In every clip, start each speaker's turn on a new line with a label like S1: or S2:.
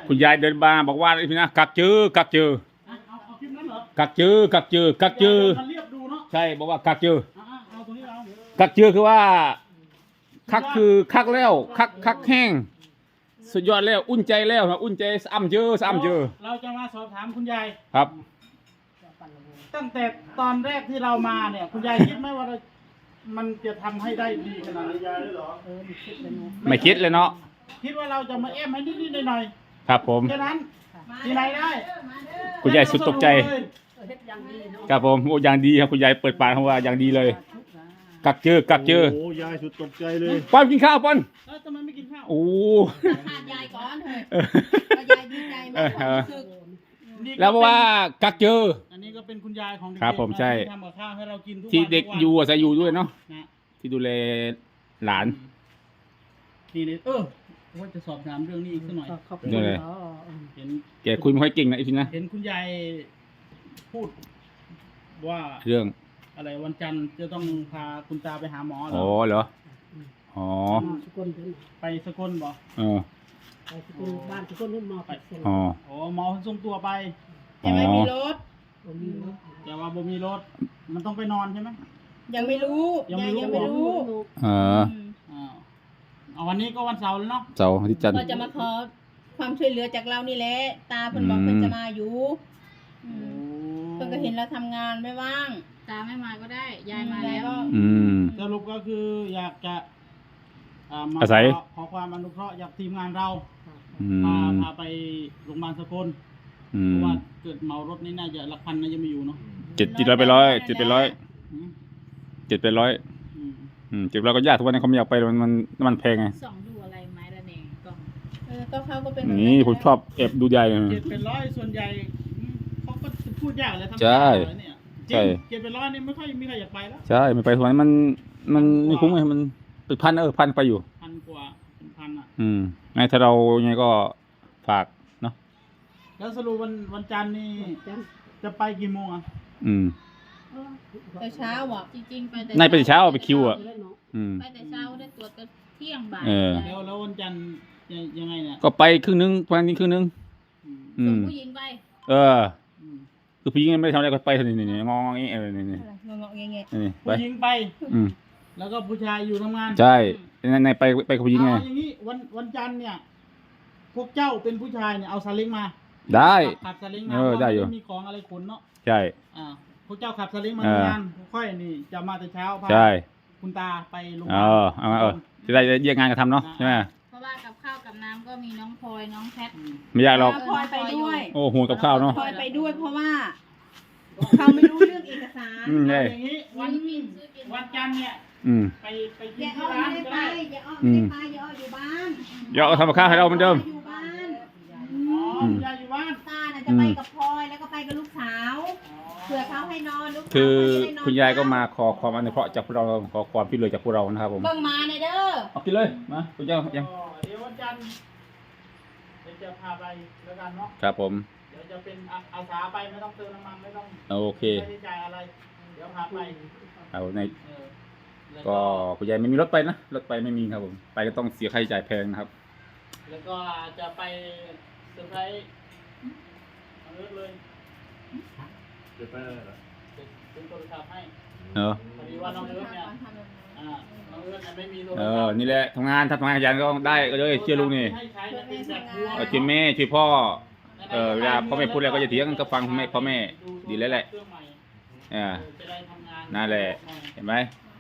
S1: คุณยายเดินมาบอกว่าพี่นะกักจื้อกักจื้อ
S2: เอาคลิปนั้นเหรอ
S1: กักจื้อกักจื้อกักจื้อ
S2: มันเรียบดูเนาะ
S1: ใช่บอกว่ากักจื้อ
S2: เอาตรงนี้เอา
S1: กักจื้อคือว่าคักคือคักแล้วคักแห้งสุดยอดแล้วอุ่นใจแล้วนะอุ่นใจซ้ำเจอซ้ำเจอ
S2: เราจะมาสอบถามคุณยาย
S1: ครับ
S2: ตั้งแต่ตอนแรกที่เรามาเนี่ยคุณยายคิดไหมว่ามันจะทำให้ได้ดีขนาดนี้ยายได้หรอ
S1: ไม่คิดเลยเนาะ
S2: คิดว่าเราจะมาแอมให้นิดๆหน่อย
S1: ๆครับผม
S2: แค่นั้นที่ไหนได้
S1: คุณยายสุดตกใจครับผมโอ้อย่างดีครับคุณยายเปิดปากคำว่าอย่างดีเลยกักเจอกักเจอ
S3: โอ้ยายสุดตกใจเลย
S1: ป้อนกินข้าวป้อน
S2: ทำไมไม่กินข้าว
S1: โอ้
S4: ขาดยายก่อนเถอะยายดีใจมากความรู้สึก
S1: แล้วเพราะว่ากักเจอ
S2: อันนี้ก็เป็นคุณยายของเด็ก
S1: ครับผมใช่
S2: ทำกับข้าวให้เรากินทุกวัน
S1: ที่เด็กอยู่อาศัยอยู่ด้วยเนาะที่ดูแลหลาน
S2: นี่เลยว่าจะสอบถามเรื่องนี้อีกสักหน่อย
S1: นี่เลย
S2: เห็น
S1: แกคุยไม่ค่อยเก่งนะอีพีนะ
S2: เห็นคุณยายพูดว่า
S1: เรื่อง
S2: อะไรวันจันทร์จะต้องพาคุณตาไปหาหมอเหรอ
S1: อ๋อเหรออ๋อ
S2: ไปสกลบ่
S4: ไปสกลบ้านสกลนู่นมอไป
S1: อ๋อ
S2: หมอส่งตัวไป
S4: แต่ไม่มีรถ
S2: แต่ว่าบ่มีรถมันต้องไปนอนใช่ไหม
S4: ยังไม่รู้ยังไม่รู้
S2: เอาวันนี้ก็วันเสาร์แล้วเนาะ
S1: เสาร์ที่จันทร์
S4: ก็จะมาขอความช่วยเหลือจากเรานี่แหละตาเพิ่นบอกเพิ่นจะมาอยู่เพิ่นก็เห็นเราทำงานไม่ว่างตาไม่มาก็ได้ยายมาแล้ว
S2: สรุปก็คืออยากจะมาขอความอนุเคราะห์จากทีมงานเราพาไปโรงพยาบาลสกลเพราะว่าเกิดเมารถนี่น่าจะหลักพันน่าจะไม่อยู่เนาะ
S1: 700ไป100 700ไป100 700ไป100 700ก็ยากทุกวันนี้เขาไม่อยากไปมันแพงไง
S4: ส่องดูอะไรไม้ละเนงก็เขาก็เป็น
S1: นี่ผมชอบแอบดูใหญ่
S2: 700ส่วนใหญ่เขาก็พูดยากเลยทำเนี่ยใช่700นี่ไม่ค่อยมีใครอยากไปแล้ว
S1: ใช่ไม่ไปทุกวันมันไม่คุ้มไงมันเป็นพันพันไปอยู่
S2: 1,000 กว่าเป็นพัน
S1: ไงถ้าเราไงก็ฝากเนาะ
S2: แล้วสรุปวันจันทร์นี่จะไปกี่โมง
S4: แต่เช้าอ่ะจริงๆไปแต่
S1: ในไปเช้าไปคิวอ่ะ
S4: ไปแต่เช้าได้ตรวจก็เที่ยงบ่าย
S2: แล้ววันจันทร์ยังไงเนี่ย
S1: ก็ไปครึ่งนึงวันนี้ครึ่งนึง
S4: ส่งผู้หญิงไป
S1: คือผู้หญิงไม่ได้ทำอะไรก็ไปนี่งองงี้นี่
S4: งองเงี้ย
S2: ผู้หญิงไปแล้วก็ผู้ชายอยู่ทำงาน
S1: ใช่ในไปกับผู้หญิงไง
S2: อย่างนี้วันจันทร์เนี่ยพวกเจ้าเป็นผู้ชายเนี่ยเอาซาเล้งมา
S1: ได้
S2: ขับซาเล้งมา
S1: ได้อยู่
S2: มีของอะไรขนเนาะ
S1: ใช่
S2: พวกเจ้าขับซาเล้งมาทำงานค่อยนี่จะมาแต่เช้าพาคุณตาไปโรงพยาบาล
S1: จะได้แยกงานกันทำเนาะใช่ไหม
S4: เพราะว่ากับข้าวกับน้ำก็มีน้องพลอยน้องแพท
S1: ไม่ยากหรอก
S4: พลอยไปด้วย
S1: โอ้โหกับข้าวเนาะ
S4: พลอยไปด้วยเพราะว่าเขาไม่รู้เรื่องเอกสาร
S2: อย่างนี้วันจันทร์เนี่ยไปกินที่ร้านก็ได้
S4: อย่าอ้ออยู่บ้าน
S1: อย่าเอาทำกับข้าวให้เราเหมือนเดิม
S4: อยู่บ้าน
S2: ยายอยู่บ้าน
S4: ตาน่ะจะไปกับพลอยแล้วก็ไปกับลูกสาวเผื่อเขาให้นอนลูก
S1: คือคุณยายก็มาขอความอนุเคราะห์จากพวกเราขอความช่วยเหลือจากพวกเรานะครับผม
S4: เบิ่งมาในเด้อ
S1: เอากินเลยมาคุณยายยัง
S2: เดี๋ยววันจันทร์จะพาไปแล้วกันเนาะ
S1: ครับผม
S2: เดี๋ยวจะเป็นอาสาไปไม่ต้องเติมน้ำมันไม่ต้อง
S1: โอเค
S2: ไม่ได้จ่ายอะไรเดี๋ยวพาไป
S1: เอาในก็คุณยายไม่มีรถไปนะรถไปไม่มีครับผมไปก็ต้องเสียค่าใช้จ่ายแพงนะครับ
S2: แล้วก็จะไปเซอร์ไพรส์เลิศเลย
S3: จะไปอะไรล่ะ
S2: เป็นโทรศัพท์ให้พอดีว่าน้องเลิศเนี่ยน้องเลิศเนี่ยไม่มีโทรศัพท์
S1: นี่แหละทำงานขยันก็ได้ก็เลยเชื่อลุงนี่ช่วยแม่ช่วยพ่อเวลาพ่อแม่พูดอะไรก็จะเถียงกันก็ฟังพ่อแม่ดีแล้วแหละนั่นแหละเห็นไหม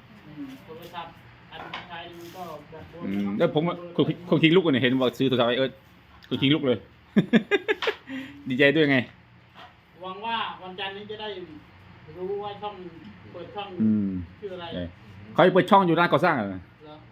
S1: แล้วผมคนทิ้งลูกเนี่ยเห็นว่าซื้อโทรศัพท์คนทิ้งลูกเลยดีใจด้วยไง
S2: หวังว่าวันจันทร์นี้จะได้รู้ว่าช่องเปิดช่องชื่ออะไร
S1: เขาเปิดช่องอยู่ร้านก่อสร้างเหรอ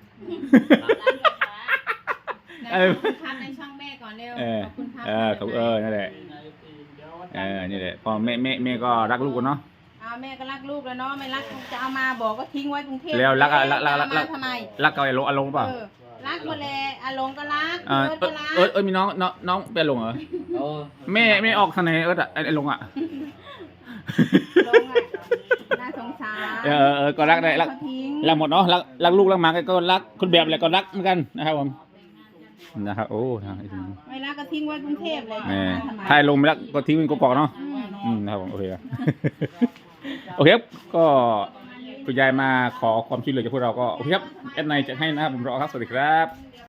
S4: พักในช่องแม่ก่อนเร็วขอบคุณครับ
S1: นั่นแหละนี่แหละพอแม่ก็รักลูกกันเนาะ
S4: แม่ก็รักลูกแล้วเนาะไม่รักจะเอามาบอกก็ทิ้งไว้กรุงเทพ
S1: แล้วรัก
S4: ทำไม
S1: รักกับอารมณ์ป่ะ
S4: รักหมดเลยอารมณ์ก็รักก็รั
S1: กมีน้องเป็นลงเหรอแม่ออกทางไหนไอ้ลงอ่ะ
S4: น่าสงสาร
S1: ก็รักได้รักหมดเนาะรักลูกรักหมาก็รักคุณแบบอะไรก็รักเหมือนกันนะครับผมนะครับโอ้ทาง
S4: เวลาก็ทิ้งไว้กรุงเทพเลย
S1: แม่
S4: ทำไม
S1: ถ้าลงไปแล้วก็ทิ้งเป็นกอกๆเนาะนะครับผมโอเคครับ โอเคครับก็คุณยายมาขอความช่วยเหลือจากพวกเราก็โอเคครับแอดไนจะให้นะครับผมรอครับสวัสดีครับ